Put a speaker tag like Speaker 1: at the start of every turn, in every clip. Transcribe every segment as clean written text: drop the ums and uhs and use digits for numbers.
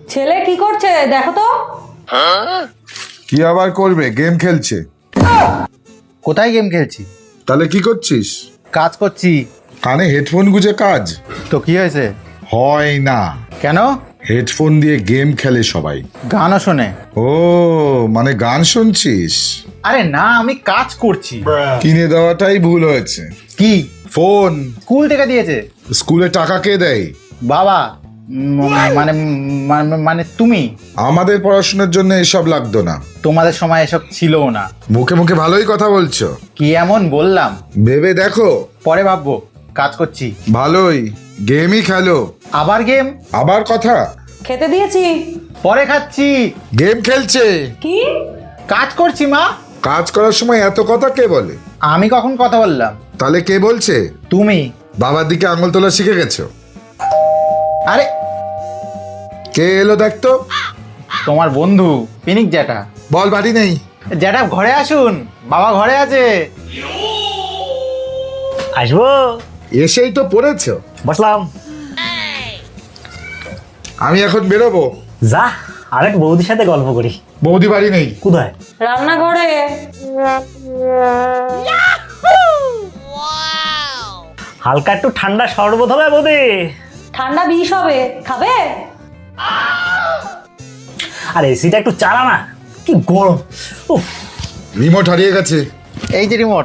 Speaker 1: ছেলে কি করছে দেখো তো।
Speaker 2: কি আবার করবে? গেম খেলছে।
Speaker 3: কোথায় গেম খেলছি?
Speaker 2: তাহলে কি করছিস?
Speaker 3: কাজ করছি।
Speaker 2: কানে হেডফোন গুজে কাজ
Speaker 3: তো কি হয়েছে?
Speaker 2: হয় না।
Speaker 3: কেন?
Speaker 2: হেডফোন দিয়ে গেম খেলে সবাই।
Speaker 3: গানও শোনে?
Speaker 2: ও মানে গান শুনছিস?
Speaker 3: আরে না, আমি কাজ করছি।
Speaker 2: কিনে দেওয়াটাই ভুল হয়েছে।
Speaker 3: কি?
Speaker 2: ফোন।
Speaker 3: স্কুল থেকে দিয়েছে।
Speaker 2: স্কুলে টাকা কে দেয়?
Speaker 3: বাবা। মানে মানে তুমি।
Speaker 2: আমাদের পড়াশোনার জন্য এসব লাগতো না।
Speaker 3: তোমাদের সময় এসব ছিলও না।
Speaker 2: মুখে মুখে ভালোই কথা বলছো।
Speaker 3: কি এমন বললাম?
Speaker 2: ভেবে দেখো।
Speaker 3: পরে ভাববো। কাজ করছি।
Speaker 2: ভালোই, গেমই খেলো।
Speaker 3: আবার গেম?
Speaker 2: আবার কথা।
Speaker 1: খেতে দিয়েছি।
Speaker 3: পরে খাচ্ছি।
Speaker 2: গেম খেলছে।
Speaker 1: কি?
Speaker 3: কাজ করছি মা।
Speaker 2: কাজ করার সময় এত কথা কে বলে?
Speaker 3: আমি কখন কথা বললাম?
Speaker 2: তাহলে কে বলছে?
Speaker 3: তুমি।
Speaker 2: বাবার দিকে আঙুল তোলা শিখে গেছো?
Speaker 3: আরে
Speaker 2: কে এলো দেখতো।
Speaker 3: তোমার বন্ধু পিনিক জ্যাঠা।
Speaker 2: বল বাড়ি নেই।
Speaker 3: জ্যাঠা ঘরে আসুন, বাবা ঘরে আছে।
Speaker 4: আসবো।
Speaker 2: এসেই তো পড়েছো।
Speaker 4: বসলাম।
Speaker 2: আমি এখন বেরোবো।
Speaker 4: যা, আরেক বৌদির সাথে গল্প করি।
Speaker 2: বৌদি বাড়ি নেই।
Speaker 4: কোথায়?
Speaker 1: রান্নাঘরে।
Speaker 4: হালকা একটু ঠান্ডা শরবত হবে বৌদি।
Speaker 1: ঠান্ডা বিষ হবে, খাবে?
Speaker 4: আর এসিটা একটু চালা না, কি গরম। উফ।
Speaker 2: রিমোট হারিয়ে গেছে।
Speaker 3: এই যে রিমোট।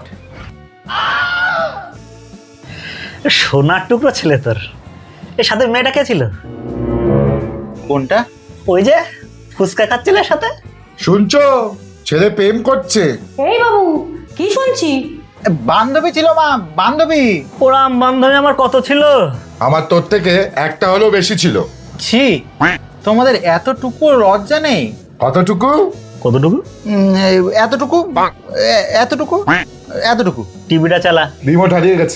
Speaker 4: সোনার টুকরো ছেলে তোর। এর সাথে মেয়েটা কে ছিল?
Speaker 3: কোনটা?
Speaker 4: ওই যে ফুচকা খাচ্ছিলের সাথে।
Speaker 2: শুনছো? ছেলে প্রেম করছে।
Speaker 1: এই বাবু, কি শুনছি?
Speaker 3: বান্ধবী ছিল মা, বান্ধবী।
Speaker 4: ওরাম বান্ধবী আমার কত ছিল।
Speaker 2: আমার তোর থেকে একটা হলেও বেশি ছিল।
Speaker 3: ছি, তোমাদের এতটুকু লজ্জা নেই?
Speaker 2: কতটুকু?
Speaker 4: কতটুকু?
Speaker 3: এতটুকু, এতটুকু, এতটুকু।
Speaker 4: টিভিটা চালা।
Speaker 2: রিমোট হারিয়ে গেছে।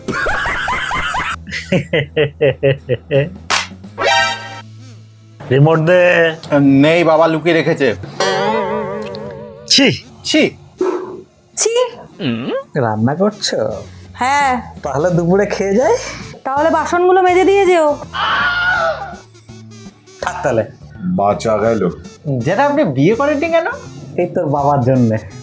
Speaker 4: রিমোট দে।
Speaker 3: নেই, বাবা লুকিয়ে রেখেছে।
Speaker 4: ছি।
Speaker 3: ছি।
Speaker 1: ছি।
Speaker 4: রান্না করছো?
Speaker 1: হ্যাঁ।
Speaker 4: তাহলে দুপুরে খেয়ে যাই।
Speaker 1: তাহলে বাসনগুলো মেজে দিয়ে যেও।
Speaker 4: থাক তাহলে।
Speaker 2: বাঁচা গেল।
Speaker 3: যেটা আপনি বিয়ে করেননি কেন?
Speaker 4: এই তোর বাবার জন্যে।